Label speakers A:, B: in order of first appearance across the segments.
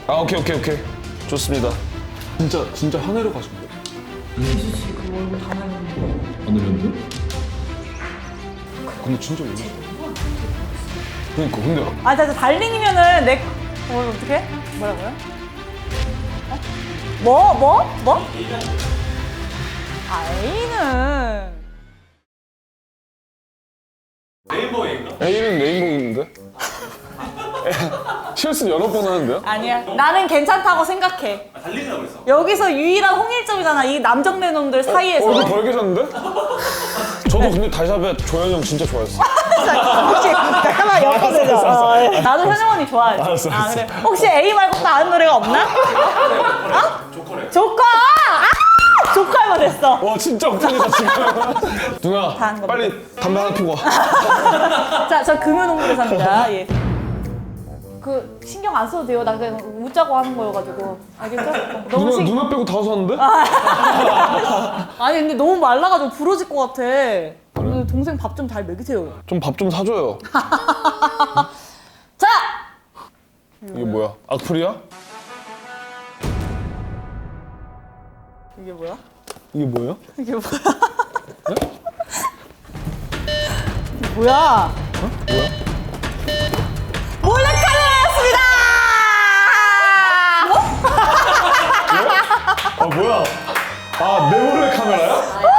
A: 아 오케이. 좋습니다. 진짜 하늘로 가신 거예요?
B: 지수 씨 그 얼굴 다 날렸는데.
C: 안 들렸는데?
A: 근데 진짜 몰라. 그러니까 근데
D: 아, 나 달링이면은 어떡해? 뭐라고요? 어? 뭐? A는
A: A는 네이버인데? 실수 여러 번 하는데요?
D: 아니야. 나는 괜찮다고 생각해.
E: 달리느라고 그랬어.
D: 여기서 유일한 홍일점이잖아. 이 남정네 놈들 사이에서.
A: 얼굴 벌개졌는데? 저도 근데 달샤벳 조현이 형 진짜 좋아했어.
D: 혹시 잠깐만 엮어내자. 나도 현영 언니 좋아해.
A: 알았어.
D: 그래. 혹시 A 말고 또 아는 노래가 없나?
E: 조커래.
D: 조커! 아! 조커만 됐어.
A: 와 진짜 억울이다 지금. 누나
D: 다한 겁니다.
A: 빨리 담배 하나 피고 와.
D: 자, 저 금요농구대사입니다. 예. 그 신경 안 써도 돼요. 나 그냥 웃자고 하는 거여가지고. 알겠죠?
A: 누나 빼고 다 섰는데?
D: 아니 근데 너무 말라가지고 부러질 것 같아. 그래? 동생 밥 좀 잘 먹이세요.
A: 좀 밥 좀 사줘요.
D: 자!
A: 이게 뭐야? 악플이야?
D: 이게 뭐야?
A: 이게 뭐예요?
D: 이게 뭐야? 이게 뭐야?
A: 뭐야?
D: 몰래카메라였습니다!
A: 아 뭐야? 아 내 몰래 카메라야?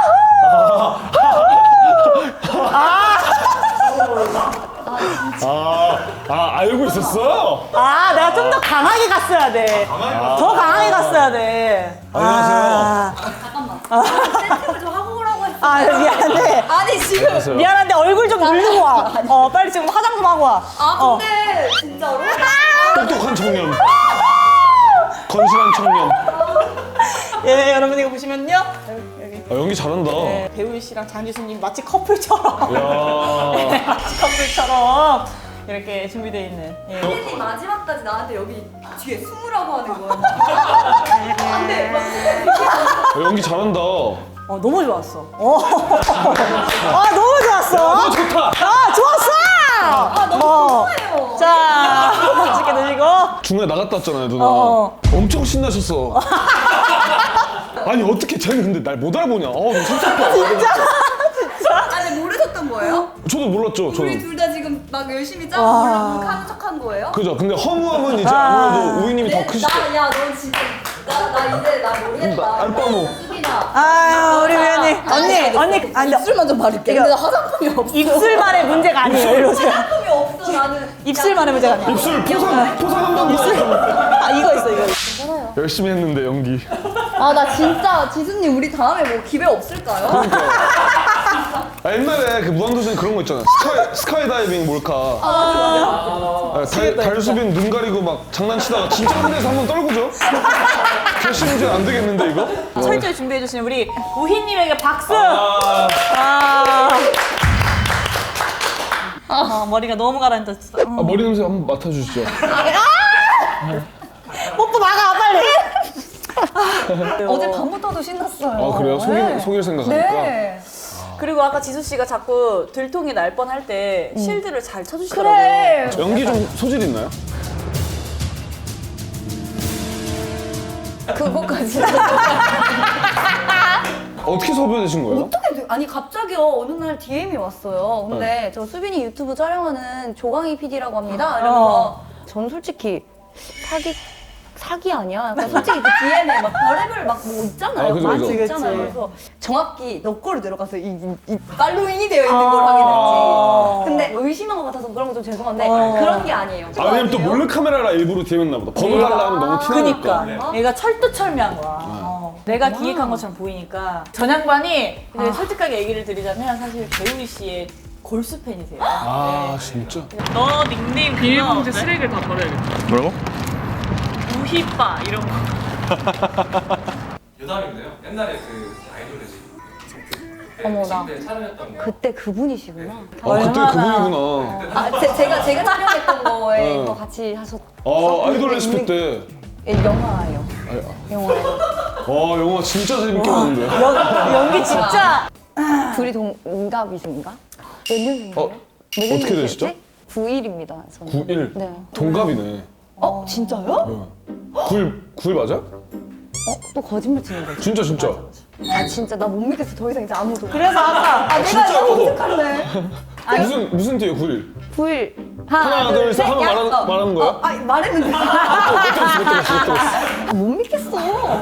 A: 알고 있었어?
D: 아, 내가 좀 더 강하게 갔어야 돼. 더 강하게 갔어야 돼.
A: 안녕하세요.
B: 세팅을 좀 하고 오라고 했어.
D: 아, 미안한데.
B: 아니 지금.
A: 안녕하세요.
D: 미안한데 얼굴 좀 누르고 와. 빨리 지금 화장 좀 하고 와.
B: 아 근데 진짜로?
A: 똑똑한 청년. 건실한 청년.
D: 예, 여러분 이거 보시면요. 여기.
A: 아, 연기 잘한다.
D: 네, 배우 씨랑 장지수님 마치 커플처럼.
A: 야.
D: 마치 커플처럼 이렇게 준비되어 있는. 예.
B: 선생님 마지막까지 나한테 여기 뒤에 숨으라고 하는 거야. 안돼.
A: 연기 잘한다.
D: 너무 좋았어. 아, 너무 좋았어.
A: 좋다.
D: 아, 좋았어. 아,
B: 너무 좋아요.
D: 자, 맛있게 드시고.
A: 중간에 나갔다 왔잖아요 누나. 엄청 신나셨어. 아니 어떻게 쟤는 근데 날 못 알아보냐. 너 섭섭해.
B: 아니 모르셨던 거예요?
A: 저도 몰랐죠.
B: 우리
A: 저는.
B: 둘 다 지금 막 열심히 짜고 몰라보는 척한 거예요?
A: 그죠. 근데 허무함은 이제 아무래도 우이님이 더 크시죠.
B: 야너 진짜 나 이제 나 모르겠다.
A: 안빠모.
B: 수빈아.
D: 아유, 우리 위원님. 언니. 아니,
B: 입술만 좀 바를게. 근데 나 화장품이 없어.
D: 입술만의 문제가 아니에요. 이리 오세요.
B: 화장품이 없어 나는.
D: 입술만의 문제가 아니에요.
A: 입술 포상 한번
D: 아, 이거 있어, 이거.
A: 열심히 했는데 연기.
B: 아 나 진짜 지수님 우리 다음에 뭐 기회 없을까요?
A: 옛날에 그 무한도전에 그런 거 있잖아. 스카이 다이빙 몰카. 달수빈 눈 가리고 막 장난치다가 진짜 하늘에서 한번 떨구죠. 결심 문제 안 되겠는데 이거?
D: 철저히 준비해주신 우리 우희님에게 박수! 머리가 너무 가라앉았어.
A: 머리 냄새 한번 맡아주시죠.
D: 뽀뽀 막아, 빨리!
B: 어제 밤부터도 신났어요.
A: 아 그래요? 속일 생각하니까.
B: 네.
D: 그리고 아까 지수씨가 자꾸 들통이 날 뻔할 때 실드를 잘 쳐주시더라고요.
B: 그래.
A: 연기 좀 소질 있나요?
B: 그거까지.
A: 어떻게 섭외되신 거예요?
B: 어떻게 아니 갑자기요 어느 날 DM이 왔어요. 근데 저 수빈이 유튜브 촬영하는 조강희 PD라고 합니다. 이러면서 전 솔직히 사기 아니야? 약간 솔직히 그 DM에 막 별의별 막 뭐 있잖아요.
A: 그죠,
B: 많이
A: 그죠.
B: 있잖아요. 그래서 정확히 너 거를 들어가서 이 팔로잉이 되어 있는 걸 확인했지. 근데 의심한 것 같아서 그런 거 좀 죄송한데 그런 게 아니에요.
A: 왜냐면 또 몰래 카메라라 일부러 DM했나 보다. 번호 달라 하면 너무 티나니까.
D: 그니까. 얘가 철두철미한 거야. 내가 기획한 것처럼 보이니까. 전 양반이 근데 솔직하게 얘기를 드리자면 사실 배우리 씨의 골수 팬이세요.
A: 진짜?
D: 너 닉네임
F: 비닐봉지 쓰레기를 다 버려야겠다.
A: 뭐라고?
D: 우희빠 이런 거.
E: 유담인데요. 옛날에 그 아이돌이지.
B: 어머나.
E: 그때 촬영했던 거.
B: 그때 그분이시구나.
A: 그때
D: 얼마나.
A: 그분이구나.
B: 제가 촬영했던 거에 이거 같이 하셨.
A: 아이돌 레시피 때.
B: 영화예요. 영화예요.
A: 영화 진짜 재밌게 봤는데.
D: 연기 진짜.
B: 둘이 동갑이신가? 몇 년생이에요?
A: 어떻게 되시죠?
B: 9일입니다. 저는.
A: 9일?
B: 네.
A: 동갑이네.
B: 진짜요?
A: 9일 맞아?
B: 또 거짓말 치는 거지.
A: 진짜.
B: 아 진짜 나 못 믿겠어. 더 이상 이제 아무도.
D: 그래서 아까
B: 아 내가
A: 진짜로?
B: 너무 어색할래.
A: 무슨 뒤에 9일?
B: 9일.
A: 하나, 둘, 셋 하면 말하는 거야?
B: 아 말했는데.
A: 못 들었어.
B: 아, 못 믿겠어.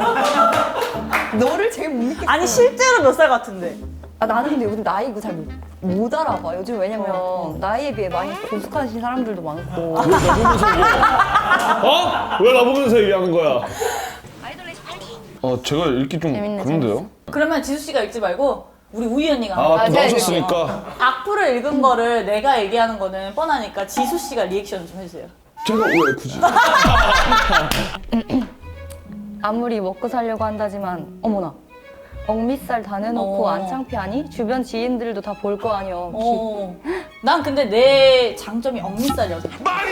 B: 너를 제일 못 믿겠어.
D: 아니 실제로 몇 살 같은데?
B: 아, 나는 근데 요즘 나이 이거 잘 못 알아봐. 요즘 왜냐면 나이에 비해 많이 고숙하신 사람들도 많고.
A: 왜 나보면서 얘기해? 왜 나보면서 얘기하는 거야? 제가 읽기 좀
B: 재밌네,
A: 그런데요?
D: 그러면 지수 씨가 읽지 말고 우리 우희 언니가
A: 또
B: 제가
A: 나오셨으니까
D: 악플을 읽은 거를 내가 얘기하는 거는 뻔하니까 지수 씨가 리액션 좀 해주세요.
A: 제가 왜 굳이?
B: 아무리 먹고 살려고 한다지만 어머나. 억밑살 다 내놓고 안 창피하니? 주변 지인들도 다 볼 거 아니여.
D: 난 근데 내 장점이 억밑살이어서.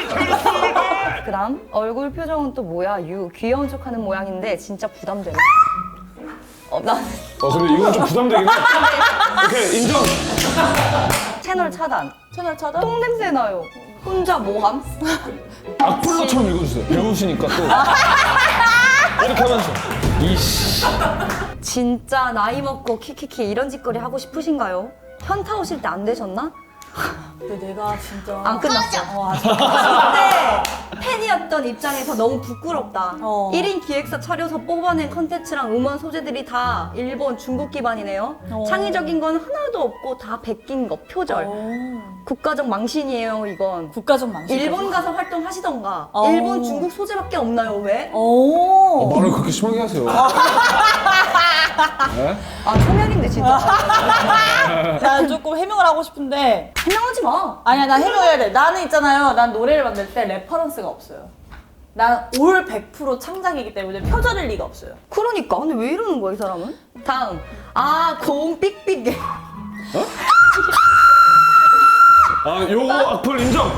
B: 그다음 얼굴 표정은 또 뭐야? 귀여운 척하는 모양인데 진짜 부담되네. 난
A: 근데 이건 좀 부담되긴 해. 오케이, 인정.
B: 채널 차단.
D: 채널 차단?
B: 똥 냄새 나요. 혼자 뭐함?
A: 악플러처럼 읽어주세요. 배우시니까 또. 이렇게 하면서. 이씨.
B: 진짜 나이 먹고 키키키 이런 짓거리 하고 싶으신가요? 현타 오실 때 안 되셨나?
D: 근데 내가 진짜
B: 안 끝났어.
D: 아직
B: 그때 팬이었던 입장에서 너무 부끄럽다.
D: 어.
B: 1인 기획사 차려서 뽑아낸 컨텐츠랑 음원 소재들이 다 일본, 중국 기반이네요. 창의적인 건 하나도 없고 다 베낀 거, 표절. 국가적 망신이에요, 이건.
D: 국가적 망신.
B: 일본 가서 활동하시던가.
D: 어.
B: 일본, 중국 소재밖에 없나요, 왜?
D: 오.
A: 말을 그렇게 심하게 하세요. 네?
B: 아, 초면인데, 진짜.
D: 난 조금 해명을 하고 싶은데
B: 해명하지 마.
D: 아니야 난 해명해야 돼. 나는 있잖아요. 난 노래를 만들 때 레퍼런스가 없어요. 난 올 100% 창작이기 때문에 표절일 리가 없어요.
B: 그러니까. 근데 왜 이러는 거야, 이 사람은? 다음. 고음 삑삑.
A: 요거 악플 인정.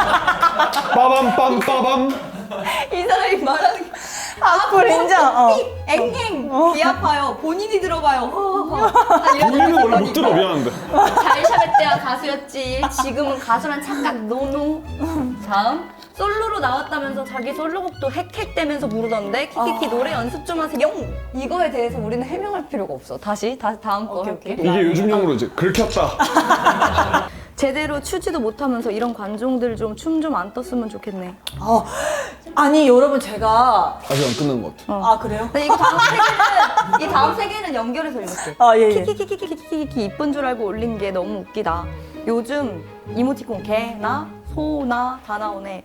A: 빠밤.
B: 이 사람이 말하는 게.
D: 악플 인정.
B: 앵앵. 귀 아파요. 본인이 들어봐요.
A: 본인은 원래 못 들어, 미안한데.
B: 잘 샤베때야 가수였지. 지금은 가수란 착각 노노. 다음. 솔로로 나왔다면서 자기 솔로곡도 헥헥대면서 부르던데 키키키 노래 연습 좀 하세요. 이거에 대해서 우리는 해명할 필요가 없어. 다음 거
D: 오케이,
B: 할게.
D: 오케이.
A: 이게 요즘용으로 이제 긁혔다.
B: 제대로 추지도 못하면서 이런 관종들 좀 춤 좀 안 떴으면 좋겠네.
D: 아니 여러분 제가
A: 아직 안 끝난 것 같아.
D: 그래요?
B: 근데 이거 이 다음 세 개는 연결해서 읽을게.
D: 예.
B: 키키키키키키키 이쁜 줄 알고 올린 게 너무 웃기다. 요즘 이모티콘 개나 소나 다 나오네.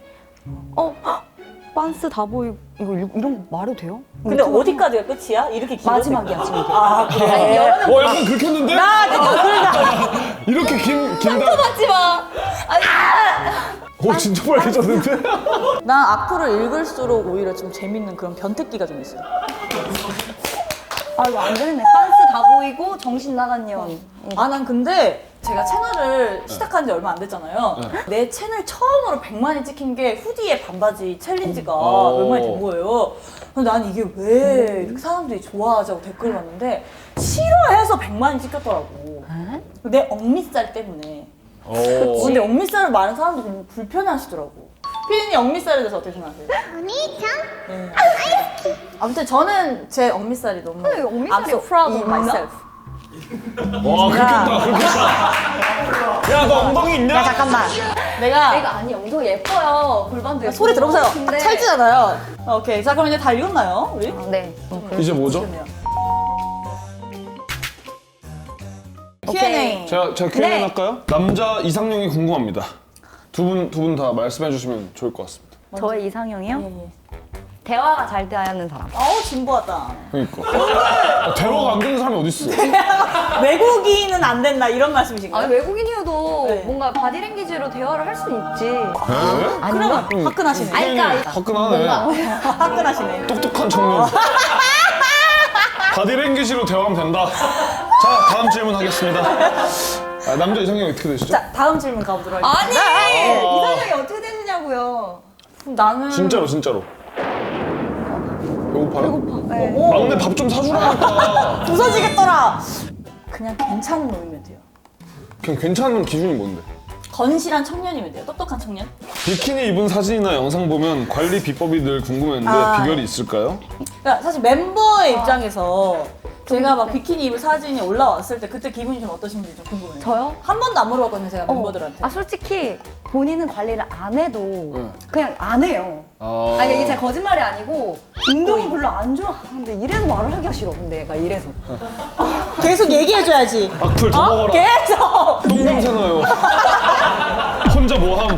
B: 빤스 다 보이고 이런 거 말해도 돼요?
D: 근데 어디까지가 끝이야? 이렇게 길어?
B: 마지막이야 지금.
D: 그래.
B: 아니, 여러분
A: 약간 긁혔는데?
D: 나 지금 그러다.
A: 이렇게 긴다.
B: 받지 마. 아니,
A: 진짜 빨개졌는데?
D: 난 악플을 읽을수록 오히려 좀 재밌는 그런 변태기가 좀 있어요.
B: 이거 안 되겠네. 빤스 다 보이고 정신 나간 년.
D: 난 근데 제가 채널을 시작한 지 얼마 안 됐잖아요. 내 채널 처음으로 100만이 찍힌 게 후디의 반바지 챌린지가 얼마나 된 거예요. 근데 난 이게 왜 이렇게 사람들이 좋아하자고 댓글을 봤는데 싫어해서 100만이 찍혔더라고. 내 억밑살 때문에. 근데 억밑살을 많은 사람들이 너무 불편해하시더라고. 피디님 억밑살에 대해서 어떻게 생각하세요? 네. 아무튼 저는 제 억밑살이 너무
B: 억밑살이
D: I'm so proud of
B: 있나?
D: myself.
A: 와, 긁혔다. 야, 너 엉덩이 있냐?
D: 잠깐만. 내가
B: 아니 엉덩이 예뻐요. 골반도 예뻐.
D: 소리 들어보세요.
B: 근데-
D: 딱 찰지잖아요. 오케이. 자, 그럼 이제 다 읽었나요? 우리?
B: 네.
A: 이제 뭐죠?
D: 그러네요.
B: 오케이.
D: Q&A.
A: 제가 Q&A
B: 네.
A: 할까요? 남자 이상형이 궁금합니다. 두 분 다 말씀해 주시면 좋을 것 같습니다.
B: 저의 이상형이요?
D: 예.
B: 대화가 잘 돼야 하는 사람.
D: 진부하다.
A: 그러니까. 대화가 안 되는 사람이 어딨어?
D: 외국인은 안 된다 이런 말씀이신가요?
B: 외국인이어도
D: 네.
B: 뭔가 바디랭귀지로 대화를 할 수 있지.
A: 네?
B: 아닌가?
D: 화끈하시네.
B: 그러니까
A: 화끈하네.
D: 화끈하시네.
A: 똑똑한 청년. 바디랭귀지로 대화하면 된다. 자, 다음 질문 하겠습니다. 남자 이상형이 어떻게 되시죠?
D: 자, 다음 질문 가보도록 하겠습니다.
B: 아니! 이상형이 어떻게 되느냐고요.
D: 나는
A: 진짜로. 배고파요?
B: 네.
A: 막내 밥 좀 사주라니까.
D: 부서지겠더라. 그냥 괜찮은 놈이면 돼요.
A: 그냥 괜찮은 기준이 뭔데?
D: 건실한 청년이면 돼요. 똑똑한 청년.
A: 비키니 입은 사진이나 영상 보면 관리 비법이 늘 궁금했는데
D: 아.
A: 비결이 있을까요?
D: 그러니까 사실 멤버의 입장에서 제가 막 비키니 입은 사진이 올라왔을 때 그때 기분이 좀 어떠신지 좀 궁금해요.
B: 저요?
D: 한 번도 안 물어봤거든요, 제가 멤버들한테.
B: 아 솔직히 본인은 관리를 안 해도 그냥 안 해요.
A: 아,
B: 아니 이게 제 거짓말이 아니고 운동을 별로 안 좋아하는데 이래서 말을 하기가 싫어. 근데 얘가 이래서.
D: 계속 얘기해줘야지.
A: 악플 더 먹어라.
D: 계속!
A: 똥 냄새 나요. 혼자 뭐함.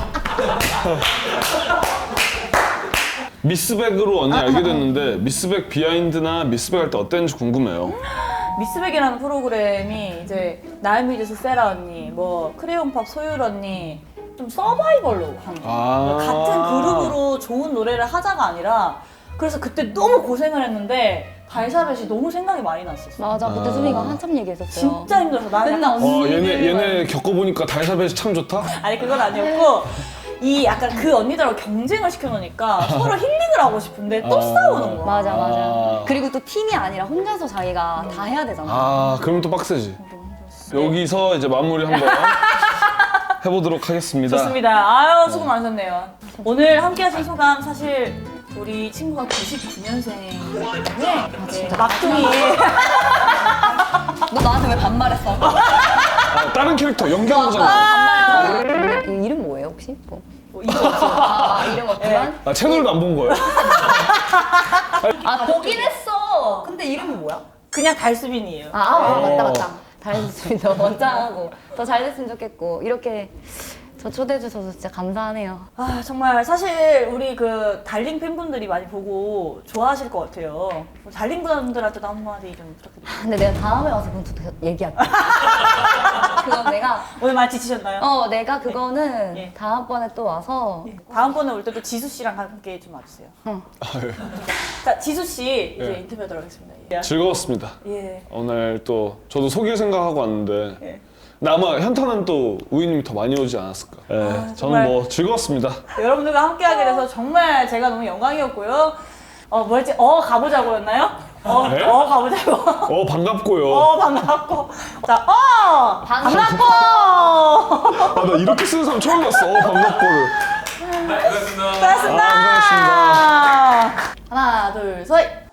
A: 미스백으로 언니 알게 됐는데 미스백 비하인드나 미스백 할 때 어땠는지 궁금해요.
D: 미스백이라는 프로그램이 이제 나인뮤지스 세라 언니, 뭐 크레용팝 소율 언니 좀 서바이벌로 하는 거예요.
A: 아.
D: 같은 그룹으로 좋은 노래를 하자가 아니라 그래서 그때 너무 고생을 했는데 발사벳이 너무 생각이 많이 났었어.
B: 맞아 그때 수빈이가 한참 얘기했었어요.
D: 진짜 힘들어서 나
B: 맨날
D: 약간
A: 얘네 겪어보니까 달사벳이 참 좋다?
D: 아니 그건 아니었고 이 약간 그 언니들하고 경쟁을 시켜놓으니까 서로 힐링을 하고 싶은데 또 싸우는 거야.
B: 맞아 맞아.
A: 아.
B: 그리고 또 팀이 아니라 혼자서 자기가 다 해야 되잖아.
A: 아, 그럼 또 빡세지. 여기서 이제 마무리 한번 해보도록 하겠습니다.
D: 좋습니다. 아유 수고 많으셨네요. 오늘 함께하신 소감 사실 우리 친구가 99년생이기 때문에 막둥이
B: 너 나한테 왜 반말했어?
A: 아, 다른 캐릭터 연기한 거잖아.
B: 반말. 이름 뭐예요 혹시? 뭐.
D: 이거
B: 이름 없지만.
A: 아, 채널도 안 본 거예요?
B: 아 보긴 했어. 근데 이름이 뭐야?
D: 그냥 달수빈이에요.
B: 맞다 맞다. 잘했습니다. 원장하고 더 잘 됐으면 좋겠고 이렇게 저 초대해 주셔서 진짜 감사하네요.
D: 아 정말 사실 우리 그 달링 팬분들이 많이 보고 좋아하실 것 같아요. 달링 분들한테도 한마디 좀 부탁드립니다.
B: 근데 내가 다음에 와서 그건 또 얘기할게. 그건 내가
D: 오늘 많이 지치셨나요?
B: 내가 그거는
D: 예.
B: 다음번에 또 와서
D: 다음번에 올 때도 지수 씨랑 함께 좀 와주세요. 자 지수 씨 이제 인터뷰하도록 하겠습니다. 예.
A: 즐거웠습니다.
D: 예.
A: 오늘 또 저도 속일 생각하고 왔는데
D: 예.
A: 근데 아마 현타는 또 우이님이 더 많이 오지 않았을까. 예, 저는
D: 정말.
A: 뭐 즐거웠습니다.
D: 여러분들과 함께하게 돼서 정말 제가 너무 영광이었고요. 뭐였지? 가보자고였나요?
A: 네?
D: 가보자고.
A: 반갑고요.
D: 반갑고. 자, 반갑고.
A: 아, 나 이렇게 쓰는 사람 처음 봤어. 반갑고를.
E: 고맙습니다.
D: 고맙습니다.
A: 고생하셨습니다.
D: 하나, 둘, 셋.